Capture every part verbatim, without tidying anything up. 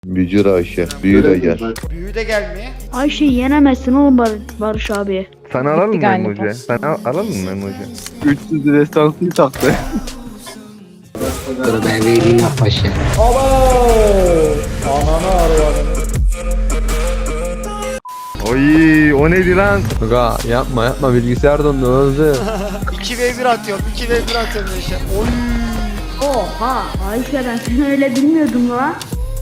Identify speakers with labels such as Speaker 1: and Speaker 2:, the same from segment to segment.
Speaker 1: Bücür Ayşe. Büyü de gel.
Speaker 2: Büyü de gelmiyor.
Speaker 3: Ayşe'yi yenemezsin oğlum Bar Barış abi.
Speaker 4: Sen alalım mı
Speaker 5: galiba.
Speaker 4: emoji? Sen al alalım mı emoji?
Speaker 6: üç yüz destansını taktı.
Speaker 7: Dur ben vereyim ya paşa.
Speaker 4: Oy o neydi lan?
Speaker 6: Aga yapma yapma bilgisayar dondu hızlı.
Speaker 2: iki ve bir atıyorum. iki ve bir atıyorum işte. Oy.
Speaker 3: Oha Ayşe ben seni öyle bilmiyordum lan.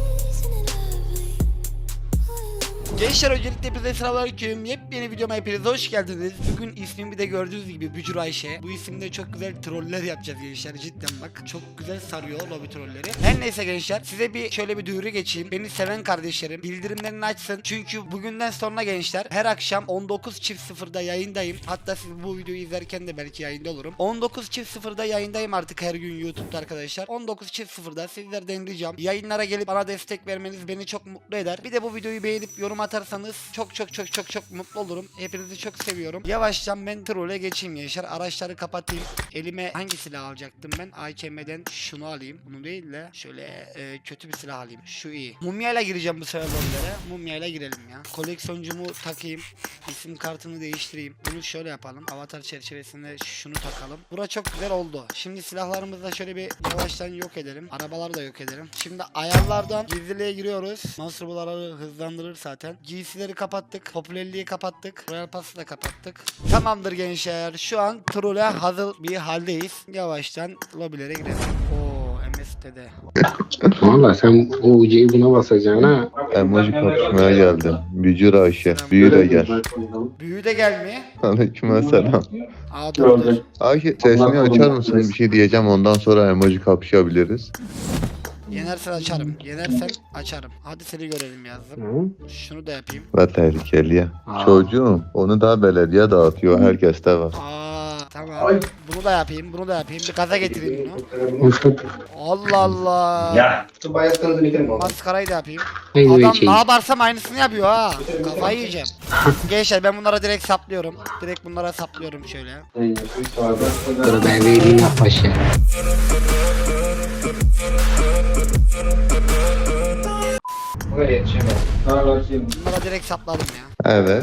Speaker 2: Gençler öncelikle hepinize selamünaleyküm. Yepyeni videoma hepiniz hoş geldiniz. Bugün ismimi de gördüğünüz gibi Bücür Ayşe. Bu isimde çok güzel troller yapacağız gençler, cidden bak. Çok güzel sarıyor lobi trolleri. Her neyse gençler, size bir şöyle bir duyuru geçeyim. Beni seven kardeşlerim bildirimlerini açsın. Çünkü bugünden sonra gençler her akşam on dokuz çift sıfırda yayındayım. Hatta siz bu videoyu izlerken de belki yayında olurum. on dokuz çift sıfırda yayındayım artık her gün YouTube'da arkadaşlar. on dokuz çift sıfırda sizlerden ricam yayınlara gelip bana destek vermeniz beni çok mutlu eder. Bir de bu videoyu beğenip yorum atarsanız çok çok çok çok çok mutlu olurum. Hepinizi çok seviyorum. Yavaştan ben trole geçeyim gençler. Araçları kapatayım. Elime hangi silah alacaktım ben? A K M'den şunu alayım. Bunu değil de şöyle e, kötü bir silah alayım. Şu iyi. Mumyayla gireceğim bu sefer lobilere. Mumyayla girelim ya. Koleksiyoncumu takayım. İsim kartını değiştireyim. Bunu şöyle yapalım. Avatar çerçevesinde şunu takalım. Bura çok güzel oldu. Şimdi silahlarımızı da şöyle bir yavaştan yok edelim. Arabaları da yok edelim. Şimdi ayarlardan gizliliğe giriyoruz. Monster buları hızlandırır zaten. Giysileri kapattık. Popülerliği kapattık. Royal Pass'ı da kapattık. Tamamdır gençler. Şu an troll'e hazır bir haldeyiz. Yavaştan lobilere girelim. Oo M S T'de.
Speaker 7: Valla sen o ucuyu buna basacaksın ha.
Speaker 1: Emoji kapışmaya geldim. Bücür Ayşe. Büyü de gel.
Speaker 2: Büyü de gelmiyor.
Speaker 1: Aleykümselam.
Speaker 2: Aa dur dur.
Speaker 1: Ayşe sesini açar mısın? Bir şey diyeceğim, ondan sonra emoji kapışabiliriz.
Speaker 2: Yenersen açarım. Yenersen açarım. Hadi seni görelim yazdım.
Speaker 7: Hı?
Speaker 2: Şunu da yapayım.
Speaker 1: Ve tehlikeli ya.
Speaker 7: Aa.
Speaker 1: Çocuğum onu da belediye dağıtıyor. Herkeste var.
Speaker 2: Aa tamam. Bunu da yapayım. Bunu da yapayım. Bir gaza getireyim bunu. Allah Allah.
Speaker 8: Ya.
Speaker 2: Maskarayı da yapayım.
Speaker 7: Haydi
Speaker 2: Adam
Speaker 7: şey.
Speaker 2: ne yaparsam aynısını yapıyor ha. Kafayı yiyeceğim. Gençler ben bunlara direkt saplıyorum. Direkt bunlara saplıyorum şöyle.
Speaker 7: Dur ben vereyim ya paşa.
Speaker 2: Bunlara direkt sapladım ya.
Speaker 1: Evet.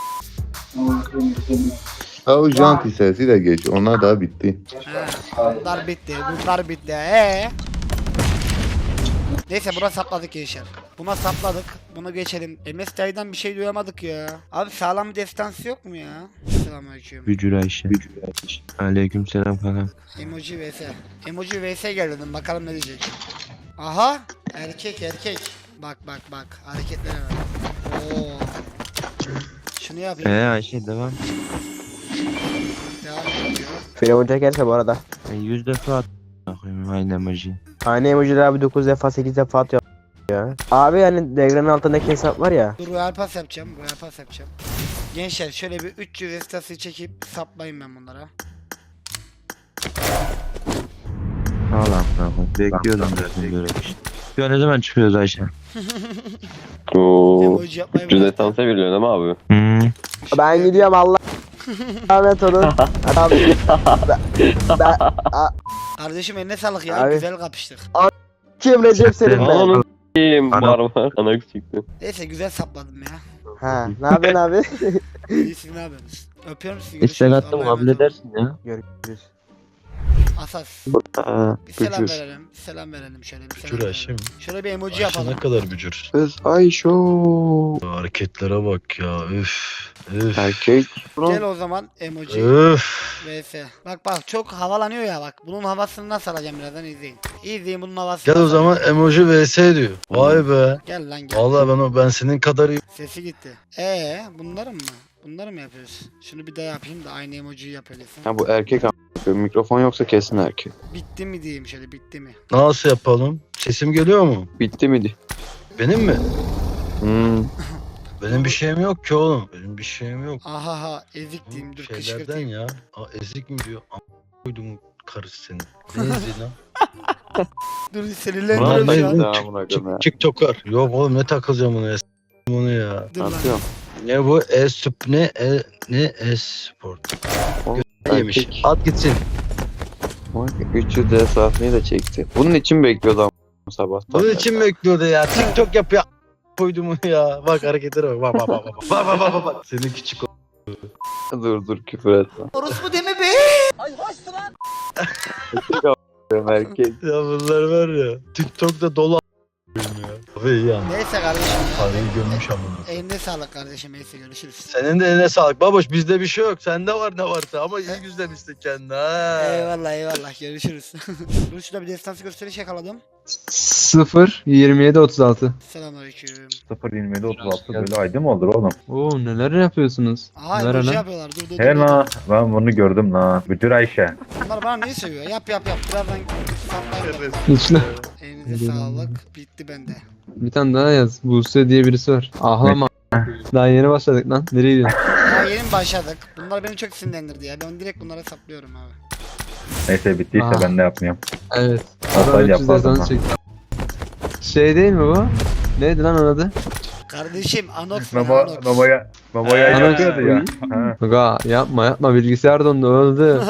Speaker 1: Ha, o janti sesi de geç. Onlar da bitti.
Speaker 2: He, bunlar bitti. Bunlar bitti. Ee. Neyse buna sapladık gençler. Buna sapladık. Bunu geçelim. M S T'den bir şey duyamadık ya. Abi sağlam bir destansı yok mu ya? Selamünaleyküm.
Speaker 9: Bücür Ayşe. Aleyküm selam kanka.
Speaker 2: Emoji vs. Emoji vs gel dedim. Bakalım ne diyecek. Aha. Erkek erkek. Bak bak bak. Hareketlere bak. Oo. Şunu yapayım.
Speaker 9: Ee Ayşe devam.
Speaker 2: Devam ediyor.
Speaker 6: Firavun çekerse bu arada.
Speaker 9: Ben yüz defa at. Bakayım aynı emoji.
Speaker 6: Aynı emojiler abi dokuz defa sekiz defa atıyor ya. Abi hani Degran'ın altındaki hesap var ya.
Speaker 2: Dur royal pass yapacağım. Royal pass yapacağım. Gençler şöyle bir üç yüz estası çekip saplayayım ben bunlara.
Speaker 9: Allah Allah. Bekliyordum zaten böyle bir şey. Ya ne zaman çıkıyoruz Ayşe?
Speaker 8: Oo.
Speaker 2: Emoji yapmayı
Speaker 8: Cüzde
Speaker 2: bırak.
Speaker 8: tansa biliyorsun ama abi.
Speaker 9: Hmm.
Speaker 6: Ben gidiyorum Allah. Ahmet olun. Abi. Ben,
Speaker 2: Kardeşim eline sağlık ya.
Speaker 6: Abi.
Speaker 2: Güzel kapıştık.
Speaker 6: kim Recep senin ben?
Speaker 8: Ananı s**eyim
Speaker 9: Ana-
Speaker 8: var var. Ana çıktı.
Speaker 2: Neyse güzel sapladım ya.
Speaker 6: Ha, ne yapıyorsun abi?
Speaker 2: İyisiniz ne yapıyorsunuz? Öpüyorum sizi.
Speaker 9: İstek
Speaker 2: görüşürüz.
Speaker 9: attım
Speaker 2: Allah'a
Speaker 9: kabul
Speaker 2: emanet olun.
Speaker 9: edersin ya.
Speaker 6: Görüşürüz.
Speaker 2: Asas.
Speaker 9: Aa,
Speaker 2: Bir selam
Speaker 9: bücür.
Speaker 2: verelim. Bir selam verelim şöyle. Bir selam
Speaker 10: Bücür Ayşe
Speaker 2: verelim.
Speaker 10: mi?
Speaker 2: Şöyle bir emoji
Speaker 10: Ayşe
Speaker 2: yapalım.
Speaker 10: ne kadar bücür.
Speaker 4: Kız Ayşo.
Speaker 10: Hareketlere bak ya. Üf. Üf.
Speaker 4: Erkek.
Speaker 2: Gel o zaman emoji
Speaker 10: Üf.
Speaker 2: vs. Bak bak çok havalanıyor ya bak. Bunun havasını nasıl alacağım birazdan izleyin. İzleyin bunun havasını.
Speaker 10: Gel o
Speaker 2: nasıl
Speaker 10: zaman
Speaker 2: alacağım.
Speaker 10: emoji vs diyor. Vay be.
Speaker 2: Gel lan gel.
Speaker 10: Vallahi ben o ben senin kadar iyi.
Speaker 2: Sesi gitti. Ee bunları mı? Bunları mı yapıyoruz? Şunu bir daha yapayım da aynı emojiyi yapalım.
Speaker 4: Ha bu erkek ama. Mikrofon yoksa kesin erkek.
Speaker 2: Bitti mi diyeyim şöyle bitti mi?
Speaker 10: Nasıl yapalım? Sesim geliyor mu?
Speaker 4: Bitti miydi?
Speaker 10: Benim mi?
Speaker 4: Hmm.
Speaker 10: Benim bir şeyim yok ki oğlum. Benim bir şeyim yok.
Speaker 2: Aha ha ezik
Speaker 10: Bu
Speaker 2: diyeyim dur
Speaker 10: şeylerden
Speaker 2: kışkırtayım.
Speaker 10: ya. Aa, ezik mi diyor? A** koydum karısı senin. Ne eziği lan?
Speaker 2: Dur
Speaker 10: Vallahi
Speaker 2: sinirlendiriyorum şu an.
Speaker 4: Daha buna göre.
Speaker 10: Çık, TikToker. Yok oğlum ne takılacağım bunu ya. S- bunu ya.
Speaker 2: Dur lan.
Speaker 4: Atıyorum.
Speaker 10: Ne bu? E-Sup ne? E, ne e-sport? Yemiş.
Speaker 4: Erkek.
Speaker 10: At gitsin.
Speaker 4: Vay, üç yüz esasını da çekti. Bunun için bekliyordu ama sabah.
Speaker 10: Bunun için mi bekliyordu ya? TikTok yapıyor. Koydu mu ya? Bak hareketlere bak. Bak bak bak bak. Bak bak bak bak. bak. Senin küçük o.
Speaker 4: Dur dur küfür etme.
Speaker 2: Orospu deme be.
Speaker 4: Erkek.
Speaker 10: Ya bunlar var ya. TikTok'ta dolu a**ayım ya. Abi iyi ya.
Speaker 2: Neyse kardeşim.
Speaker 10: Parayı gömmüş ama.
Speaker 2: Eline sağlık kardeşim. Neyse görüşürüz.
Speaker 10: Senin de eline sağlık. Baboş bizde bir şey yok. Sende var ne varsa ama iyi güzelmişsin kendine ha.
Speaker 2: Eyvallah eyvallah görüşürüz. Dur şurada bir destansı gösteriş yakaladım.
Speaker 5: sıfır yirmi yedi otuz altı.
Speaker 2: Selamünaleyküm.
Speaker 11: sıfır yirmi yedi otuz altı böyle ayda mı olur oğlum?
Speaker 5: Oo neler yapıyorsunuz?
Speaker 2: Aha
Speaker 5: Neler
Speaker 2: emoji
Speaker 5: lan?
Speaker 2: yapıyorlar. Dur dur dur.
Speaker 11: He
Speaker 2: dur.
Speaker 11: la ben bunu gördüm la. Bücür Ayşe.
Speaker 2: Bunlar bana neyi seviyor? Yap yap yap. Birazdan saplayalım.
Speaker 5: İçine
Speaker 2: Elinize sağlık. Bitti bende.
Speaker 5: bir tane daha yaz. Buse diye birisi var. Ahlama. Daha yeni başladık lan. Nereye gidiyorsun?
Speaker 2: Daha yeni mi başladık? Bunlar beni çok sinirlendirdi ya. Ben direkt bunlara saplıyorum abi.
Speaker 11: Neyse bittiyse
Speaker 5: Aa.
Speaker 11: ben de yapmıyorum.
Speaker 5: Evet.
Speaker 11: Hatta
Speaker 5: Adam üç yüz
Speaker 11: yapmadım
Speaker 5: destansı çekti. Şey değil mi bu? Neydi lan onun adı?
Speaker 2: Kardeşim Anox ben
Speaker 11: Baba,
Speaker 2: Anox.
Speaker 11: babaya babaya
Speaker 5: Ana-
Speaker 11: yapıyordu ya. Ha.
Speaker 5: Aga yapma yapma bilgisayar dondu öldü.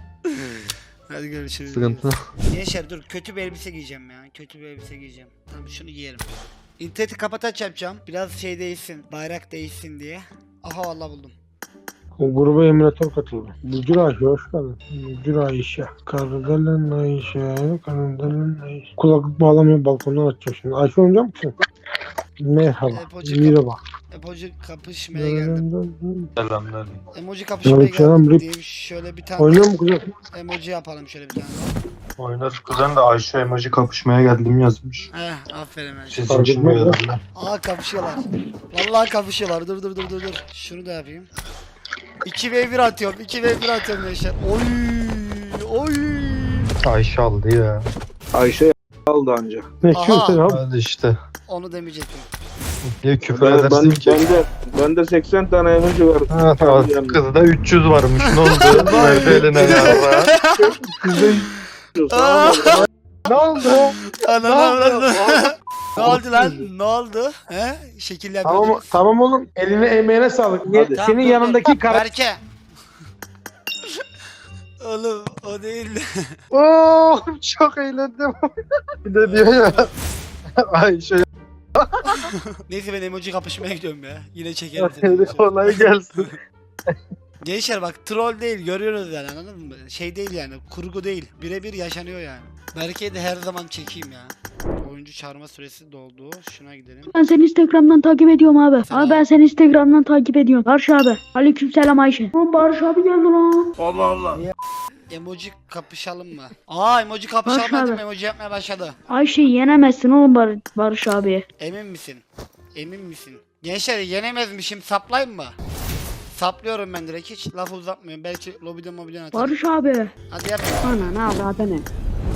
Speaker 2: Hadi görüşürüz.
Speaker 5: Sıkıntı.
Speaker 2: Gençler dur kötü bir elbise giyeceğim ya. Kötü bir elbise giyeceğim. Tamam şunu giyelim. İnterneti kapataç yapacağım. Biraz şey değişsin. Bayrak değişsin diye. Aha vallahi buldum.
Speaker 7: O gruba emülatör katıldı. Bücür Ayşe hoş geldin. Bücür Ayşe. Kardelen Ayşe. Kardelen Ayşe. Kulaklık bağlamıyor balkondan açacağım şimdi. Ayşe oynayacak mısın? Merhaba.
Speaker 2: Emoji,
Speaker 7: Merhaba.
Speaker 2: kap- emoji kapışmaya geldim.
Speaker 10: Selamlar.
Speaker 2: Emoji kapışmaya
Speaker 7: Aleykümselam,
Speaker 2: geldim
Speaker 7: Rip.
Speaker 2: diyeyim. Şöyle bir tane
Speaker 7: Oynuyor mu kızım?
Speaker 2: emoji yapalım şöyle bir tane.
Speaker 10: Oynarız kuzen de Ayşe emoji kapışmaya geldim yazmış.
Speaker 2: Heh aferin ben.
Speaker 10: Sizin
Speaker 7: Fark
Speaker 10: için mi
Speaker 7: etmez
Speaker 10: yazdılar?
Speaker 2: Aa kapışıyorlar. Vallahi kapışıyorlar. Dur dur dur dur dur. Şunu da yapayım. iki ve bir atıyorum. iki ve bir atıyorum gençler. Oy! Oy!
Speaker 10: Ayşe aldı ya.
Speaker 4: Ayşe aldı anca.
Speaker 7: Ne
Speaker 2: Aha.
Speaker 7: istiyorsun abi?
Speaker 10: Hadi işte.
Speaker 2: Onu demeyecektim.
Speaker 10: Niye küfür
Speaker 4: Ben,
Speaker 10: edersin
Speaker 4: ben,
Speaker 10: ki?
Speaker 4: bende, bende seksen tane emoji var.
Speaker 10: Ha, tamam. Kızda üç yüz varmış. Ne oldu? Verdi eline ya.
Speaker 2: Aa!
Speaker 7: Ne oldu?
Speaker 2: Anam anam. Ne oldu lan? Ne oldu? He? Şekil
Speaker 7: Tamam,
Speaker 2: yapıyordunuz.
Speaker 7: tamam oğlum. Eline emeğine sağlık.
Speaker 4: Hadi.
Speaker 2: Tamam,
Speaker 7: Senin
Speaker 2: dur, dur.
Speaker 7: yanındaki kara...
Speaker 2: Berke. Oğlum o değil.
Speaker 10: Oo, çok eğlendim. Bir de diyor ya. Ayşe
Speaker 2: Neyse ben emoji kapışmaya gidiyorum ya. Yine çekerim seni.
Speaker 10: kolay gelsin.
Speaker 2: Gençler bak troll değil görüyoruz yani anladın mı? Şey değil yani kurgu değil. Birebir yaşanıyor yani. Berke'yi de her zaman çekeyim ya. Oyuncu çağırma süresi doldu. Şuna gidelim.
Speaker 3: Ben seni Instagram'dan takip ediyorum abi.
Speaker 2: Selam.
Speaker 3: Abi ben seni Instagram'dan takip ediyorum. Barış abi. Aleykümselam Ayşe. Lan Barış abi geldi lan.
Speaker 2: Emoji kapışalım mı? Aa emoji kapışalım
Speaker 3: Barış
Speaker 2: dedim
Speaker 3: abi.
Speaker 2: emoji yapmaya başladı.
Speaker 3: Ayşe'yi yenemezsin oğlum Bar Barış abi.
Speaker 2: Emin misin? Emin misin? Gençler yenemezmişim saplayayım mı? Saplıyorum ben direkt hiç lafı uzatmıyorum. Belki lobiden mobiden atarım.
Speaker 3: Barış abi.
Speaker 2: Hadi yap.
Speaker 3: Ana ne avradı ne?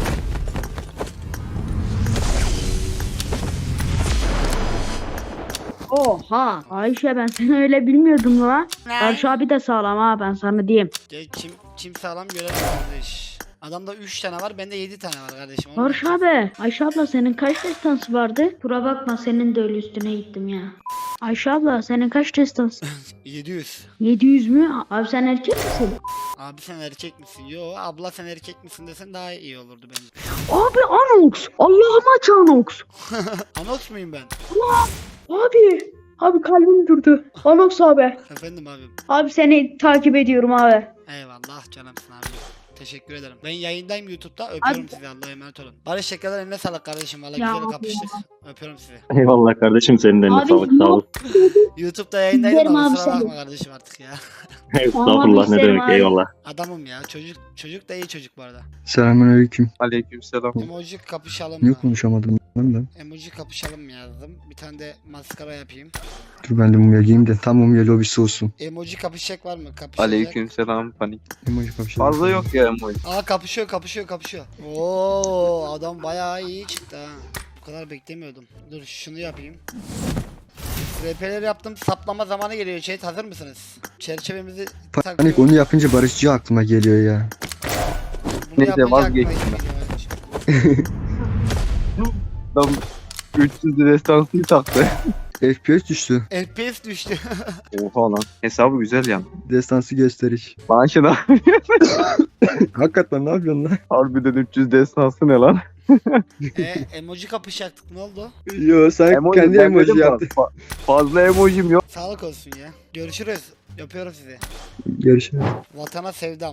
Speaker 3: Oha. Ayşe ben seni öyle bilmiyordum la. Barış abi de sağlam ha ben sana diyeyim.
Speaker 2: Gel çim, çim sağlam görelim kardeş. Adamda üç tane var bende yedi tane var kardeşim. Onu
Speaker 3: Barış abi. Ayşe abla senin kaç destansı vardı? Kura bakma senin de öyle üstüne gittim ya. Ayşe abla senin kaç destansı?
Speaker 2: yedi yüz.
Speaker 3: yedi yüz mü? Abi sen erkek misin?
Speaker 2: Abi sen erkek misin? Yo abla sen erkek misin desen daha iyi olurdu bence.
Speaker 3: Abi Anox. Allah'ım aç Anox.
Speaker 2: Anox muyum ben?
Speaker 3: Abi. Abi kalbim durdu. Anox abi.
Speaker 2: Efendim abim.
Speaker 3: Abi seni takip ediyorum abi.
Speaker 2: Eyvallah canımsın abi. Teşekkür ederim. Ben yayındayım YouTube'da. Öpüyorum
Speaker 3: Abi-
Speaker 2: sizi. Allah'a emanet olun. Barış tekrardan eline sağlık kardeşim. Valla
Speaker 3: Ya
Speaker 2: güzel
Speaker 3: abi
Speaker 2: kapıştık. Öpüyorum sizi.
Speaker 8: Eyvallah kardeşim senin de eline
Speaker 3: Abi,
Speaker 8: sağlık sağ ol.
Speaker 2: YouTube'da yayındaydım
Speaker 3: İzlerim
Speaker 2: ama
Speaker 3: abi
Speaker 2: kusura
Speaker 3: seni.
Speaker 2: bakma kardeşim artık ya.
Speaker 8: Estağfurullah ne
Speaker 3: isterim
Speaker 8: demek
Speaker 3: abi.
Speaker 8: eyvallah.
Speaker 2: Adamım ya. Çocuk çocuk da iyi çocuk bu arada.
Speaker 5: Selamünaleyküm.
Speaker 4: Aleykümselam.
Speaker 2: Emoji kapışalım
Speaker 5: Niye
Speaker 2: mı?
Speaker 5: konuşamadım ben de?
Speaker 2: Emoji kapışalım mı yazdım. Bir tane de maskara yapayım.
Speaker 5: Dur ben de mumya giyeyim de tam mumya lobisi olsun.
Speaker 2: Emoji kapışacak var mı? Kapışacak.
Speaker 4: Aleykümselam panik.
Speaker 5: Emoji kapışalım.
Speaker 4: Fazla yok ya emoji.
Speaker 2: Aa kapışıyor kapışıyor kapışıyor. Oo adam bayağı iyi çıktı ha. Bu kadar beklemiyordum. Dur şunu yapayım. R P'leri yaptım. Saplama zamanı geliyor chat. Hazır mısınız? Çerçevemizi
Speaker 5: Panik
Speaker 2: takıyorum.
Speaker 5: onu yapınca Barışçı aklıma geliyor ya.
Speaker 2: Bunu
Speaker 4: Neyse,
Speaker 2: yapınca
Speaker 4: vazgeçtim
Speaker 2: aklıma geliyor.
Speaker 4: Adam üç yüz destansıyı taktı.
Speaker 5: F P S düştü.
Speaker 2: F P S düştü.
Speaker 4: Oha lan. Hesabı güzel yani.
Speaker 5: Destansı gösteriş.
Speaker 4: Lan şuna.
Speaker 5: Hakikaten ne yapıyorsun lan?
Speaker 4: Harbiden üç yüz destansı ne lan?
Speaker 2: e, emoji kapışacaktık ne oldu?
Speaker 4: Yo sen kendi emoji yaptın. Fazla emojim yok.
Speaker 2: Sağlık olsun ya. Görüşürüz. Yapıyorum sizi.
Speaker 4: Görüşürüz.
Speaker 2: Vatana sevdam.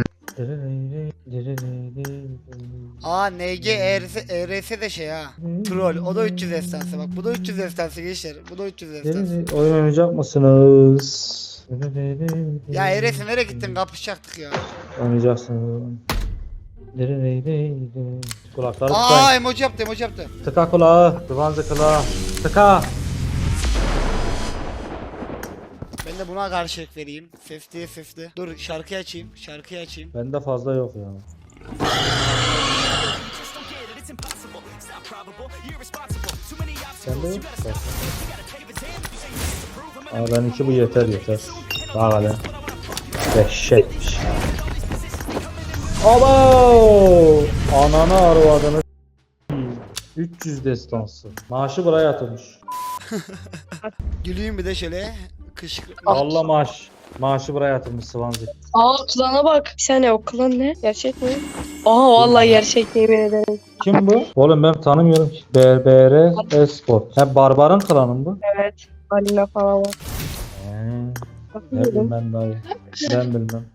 Speaker 2: Aa N G E R S, E R S de şey ha. Troll. O da üç yüz estansı bak. Bu da üç yüz estansı gençler. Bu da üç yüz estansı.
Speaker 10: Oyun oynayacak mısınız?
Speaker 2: Ya E R S nereye gittin? Kapışacaktık ya.
Speaker 10: Oynayacaksınız. Kulakları
Speaker 2: Aa
Speaker 10: tıkayın.
Speaker 2: emoji yaptı emoji yaptı.
Speaker 10: Tıka kulağı. Tıvanzı kulağı. Tıka.
Speaker 2: Ben de buna karşılık vereyim. Sesli sesli. Dur şarkıyı açayım. Şarkıyı açayım.
Speaker 10: Bende fazla yok ya. Sende yok. Aa ben iki bu yeter yeter. Daha hadi. Dehşetmiş. Abo! Ananı arvadını üç yüz destansı. Maaşı buraya atılmış.
Speaker 2: Güleyim bir de şöyle. Kışkırtma.
Speaker 10: Allah maaş. Maaşı buraya atılmış Swansea.
Speaker 12: Aa klana bak. Bir saniye o klan ne? Gerçek mi? Aa vallahi gerçek yemin ederim.
Speaker 10: Kim bu? Oğlum ben tanımıyorum ki. B B R Esport. Ha Barbar'ın klanı mı bu?
Speaker 12: Evet. Alina falan var.
Speaker 10: He. Ne bileyim ben dayı. Ben bilmem.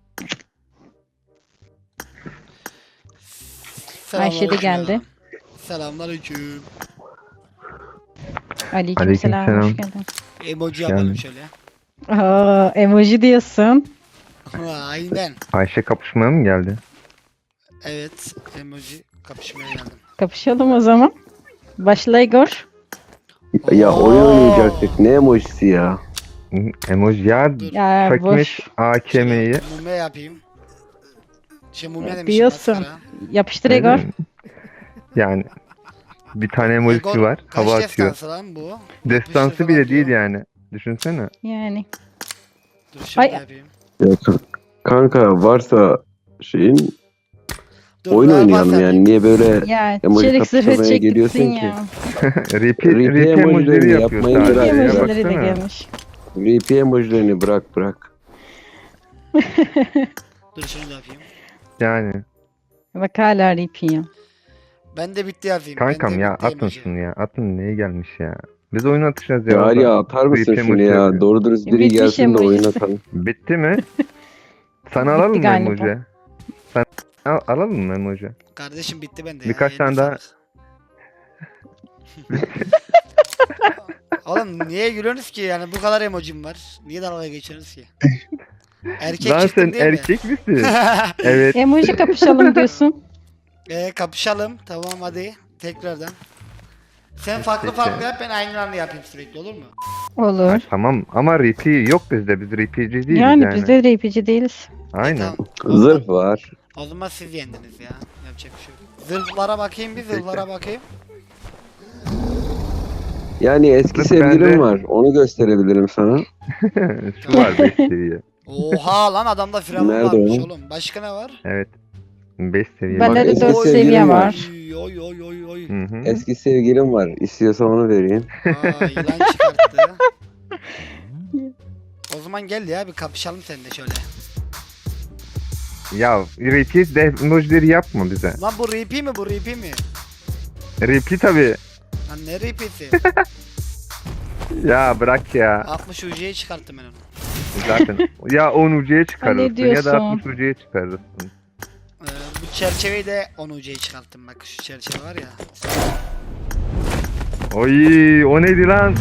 Speaker 2: Ayşe de geldi. Selamünaleyküm.
Speaker 1: Aleykümselam.
Speaker 13: Hoş geldin.
Speaker 2: Emoji yapalım şöyle.
Speaker 13: Aa, emoji diyorsun.
Speaker 2: Ha, aynen.
Speaker 1: Ayşe kapışmaya mı geldi?
Speaker 2: Evet. Emoji kapışmaya geldim.
Speaker 13: Kapışalım o zaman. Başla Igor.
Speaker 2: Ya oyun oynayacaktık.
Speaker 1: Ne emojisi ya? Emoji ya
Speaker 13: Ya boş
Speaker 1: A K M'yi.
Speaker 2: Mumya yapayım. Şey mumya demişim.
Speaker 13: diyorsun.
Speaker 2: maskara.
Speaker 13: Yapıştır Igor.
Speaker 1: Yani bir tane
Speaker 2: Igor, kaç destansı lan bu?
Speaker 1: Destansı bile değil yani. Düşünsene.
Speaker 13: Yani.
Speaker 2: Dur şöyle
Speaker 13: Ay.
Speaker 2: yapayım.
Speaker 14: Kanka varsa şeyin
Speaker 2: Dur, oyun oynayalım yani.
Speaker 14: niye böyle
Speaker 13: Ya
Speaker 14: Emoji
Speaker 13: çelik zırhı
Speaker 14: kapışmaya
Speaker 13: çektirsin
Speaker 14: geliyorsun
Speaker 13: ya.
Speaker 1: Repeat,
Speaker 14: Repeat
Speaker 1: repeat emojileri
Speaker 14: emojileri
Speaker 1: yapıyor
Speaker 14: yapmayın
Speaker 1: sadece.
Speaker 14: biraz
Speaker 1: Ya,
Speaker 14: ya.
Speaker 13: Emojileri de
Speaker 1: baksana.
Speaker 13: gelmiş.
Speaker 14: R P emojilerini bırak bırak.
Speaker 2: Dur şunu da yapayım.
Speaker 1: Yani.
Speaker 13: Bak hala repeat.
Speaker 2: Ben de bitti yazayım.
Speaker 1: Kankam
Speaker 2: ben de
Speaker 1: ya
Speaker 2: bitti
Speaker 1: atın
Speaker 2: emoji.
Speaker 1: şunu ya. Atın neye gelmiş ya. Biz oyun atacağız ya.
Speaker 14: Ya
Speaker 1: orada.
Speaker 14: ya atar mısın
Speaker 1: Repeat
Speaker 14: şunu
Speaker 1: emoji
Speaker 14: ya?
Speaker 1: yapıyor.
Speaker 14: Doğru dürüst biri
Speaker 13: Bitmiş
Speaker 14: gelsin de oyun
Speaker 13: emojisi.
Speaker 14: atalım.
Speaker 1: Bitti mi? Sana alalım mı
Speaker 13: galiba.
Speaker 1: emoji? Sen al, alalım mı emoji?
Speaker 2: Kardeşim bitti bende
Speaker 1: Birkaç
Speaker 2: ya.
Speaker 1: tane
Speaker 2: eline
Speaker 1: daha-
Speaker 2: sağlık. Oğlum niye gülüyorsunuz ki yani bu kadar emojim var. Niye dalga geçiyorsunuz ki? Erkek
Speaker 1: Lan
Speaker 2: çıktım
Speaker 1: sen
Speaker 2: değil mi?
Speaker 1: erkek misin? Evet.
Speaker 13: Emoji kapışalım diyorsun.
Speaker 2: Ee, kapışalım. Tamam hadi. Tekrardan. Sen farklı
Speaker 1: Peki.
Speaker 2: farklı yap ben aynı anda yapayım sürekli olur mu?
Speaker 13: Olur.
Speaker 1: Tamam ama repeat yok bizde. Biz repeat'ci değiliz
Speaker 13: Yani,
Speaker 1: yani.
Speaker 13: biz de repeat'ci değiliz.
Speaker 1: Aynen.
Speaker 2: Tamam.
Speaker 14: Zırh var.
Speaker 2: O zaman siz yendiniz ya. Yapacak bir şey yok. Zırhlara bakayım bir zırhlara bakayım.
Speaker 14: Yani eski
Speaker 1: Zırh
Speaker 14: sevgilim
Speaker 1: bende.
Speaker 14: var. Onu gösterebilirim sana.
Speaker 1: Şu var beş seviye.
Speaker 2: Oha lan adamda firavun
Speaker 14: Nerede
Speaker 2: varmış
Speaker 14: o?
Speaker 2: oğlum. Başka ne var?
Speaker 1: Evet. beş seviye.
Speaker 13: Bende de
Speaker 14: eski
Speaker 13: dört
Speaker 14: sevgilim
Speaker 13: seviye
Speaker 14: var.
Speaker 13: var.
Speaker 2: Oy oy oy oy.
Speaker 1: Hı hı.
Speaker 14: Eski sevgilim var. İstiyorsan onu vereyim.
Speaker 2: Aa yılan çıkarttı. O zaman gel ya bir kapışalım seninle şöyle.
Speaker 1: Ya repeat de emojileri yapma bize.
Speaker 2: Lan bu repeat mi bu repeat mi?
Speaker 1: Repeat tabi.
Speaker 2: Lan ne repeat'i?
Speaker 1: Ya bırak ya.
Speaker 2: altmış U C'yi çıkarttım ben onu.
Speaker 1: Zaten. Ya on U C'ye çıkarırsın ya
Speaker 13: diyorsun?
Speaker 1: da altmış U C'ye çıkarırsın.
Speaker 2: Ee, bu çerçeveyi de on U C'yi çıkarttım bak şu çerçeve var ya.
Speaker 1: Oy o neydi lan?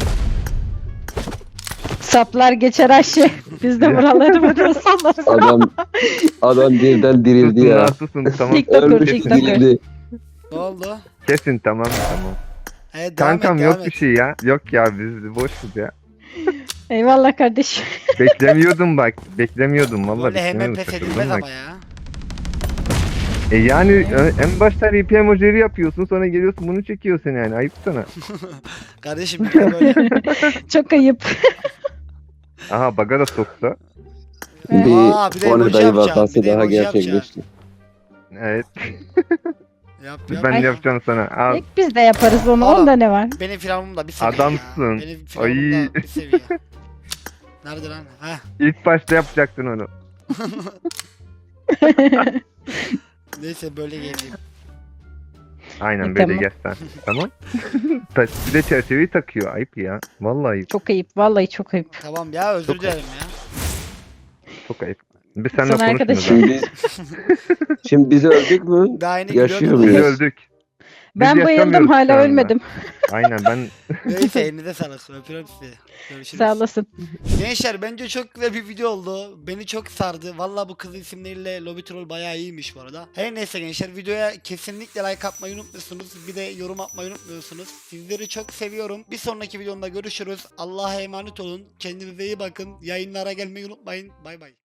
Speaker 13: Saplar geçer Ayşe. Biz de buraları böyle sallarız.
Speaker 14: Adam adam birden dirildi
Speaker 1: Susun lan
Speaker 14: ya.
Speaker 1: susun tamam.
Speaker 13: TikToker,
Speaker 14: Ölmüş
Speaker 13: TikToker.
Speaker 14: dirildi.
Speaker 2: Ne oldu?
Speaker 1: Kesin tamam tamam.
Speaker 2: Evet devam
Speaker 1: Kankam
Speaker 2: et,
Speaker 1: yok
Speaker 2: devam
Speaker 1: bir
Speaker 2: et.
Speaker 1: şey ya. Yok ya biz boşuz ya.
Speaker 13: Eyvallah kardeşim.
Speaker 1: Beklemiyordum bak. Beklemiyordum vallahi.
Speaker 2: Böyle hemen
Speaker 1: beklemiyordum,
Speaker 2: pes
Speaker 1: şaşırdım
Speaker 2: edilmez
Speaker 1: bak.
Speaker 2: ama ya.
Speaker 1: E yani e, en başta R P emojileri yapıyorsun sonra geliyorsun bunu çekiyorsun yani ayıp sana.
Speaker 2: Kardeşim bir de böyle.
Speaker 13: Çok ayıp.
Speaker 1: Aha baga da soktu.
Speaker 2: Aa, bir de
Speaker 14: Bir
Speaker 2: emoji
Speaker 14: Onedayı
Speaker 2: yapacağım,
Speaker 14: vakası
Speaker 2: bir de
Speaker 14: daha
Speaker 2: emoji yapacağım.
Speaker 14: gerçekleşti.
Speaker 1: Evet
Speaker 2: Yap yap.
Speaker 1: ben
Speaker 13: Ay.
Speaker 1: yapacağım sana. Al.
Speaker 13: Pek biz de yaparız onu.
Speaker 2: Oğlum.
Speaker 13: Onda ne var?
Speaker 2: Benim firavunum da bir seviye
Speaker 1: Adamsın.
Speaker 2: ya. Benim firavunum
Speaker 1: Ay.
Speaker 2: da bir seviye. Nerede lan? Heh.
Speaker 1: İlk başta yapacaktın onu.
Speaker 2: Neyse böyle geleyim.
Speaker 1: Aynen
Speaker 13: E,
Speaker 1: böyle
Speaker 13: tamam.
Speaker 1: gel sen. Tamam. Ta- bir de çerçeveyi takıyor. Ayıp ya. Vallahi ayıp.
Speaker 13: Çok ayıp. Vallahi çok ayıp.
Speaker 2: Tamam ya özür
Speaker 1: Çok
Speaker 2: dilerim ya.
Speaker 1: Çok ayıp. Biz seninle
Speaker 13: Sana
Speaker 1: konuşmuyoruz.
Speaker 13: arkadaşım.
Speaker 1: abi.
Speaker 14: Şimdi, şimdi biz öldük mü?
Speaker 2: Daha yeni
Speaker 14: Yaşıyor
Speaker 2: gülüyorduk.
Speaker 1: Biz
Speaker 14: muyuz?
Speaker 1: öldük. Biz
Speaker 13: Ben bayıldım
Speaker 1: yaşamıyoruz şu
Speaker 13: hala
Speaker 1: anda.
Speaker 13: ölmedim.
Speaker 1: Aynen ben
Speaker 2: Neyse elinize sağlık. Öpüyorum sizi. Görüşürüz.
Speaker 13: Sağ olasın.
Speaker 2: Gençler bence çok güzel bir video oldu. Beni çok sardı. Valla bu kız isimleriyle Lobby Troll bayağı iyiymiş bu arada. Her neyse gençler videoya kesinlikle like atmayı unutmuyorsunuz. Bir de yorum atmayı unutmuyorsunuz. Sizleri çok seviyorum. Bir sonraki videomda görüşürüz. Allah'a emanet olun. Kendinize iyi bakın. Yayınlara gelmeyi unutmayın. Bay bay.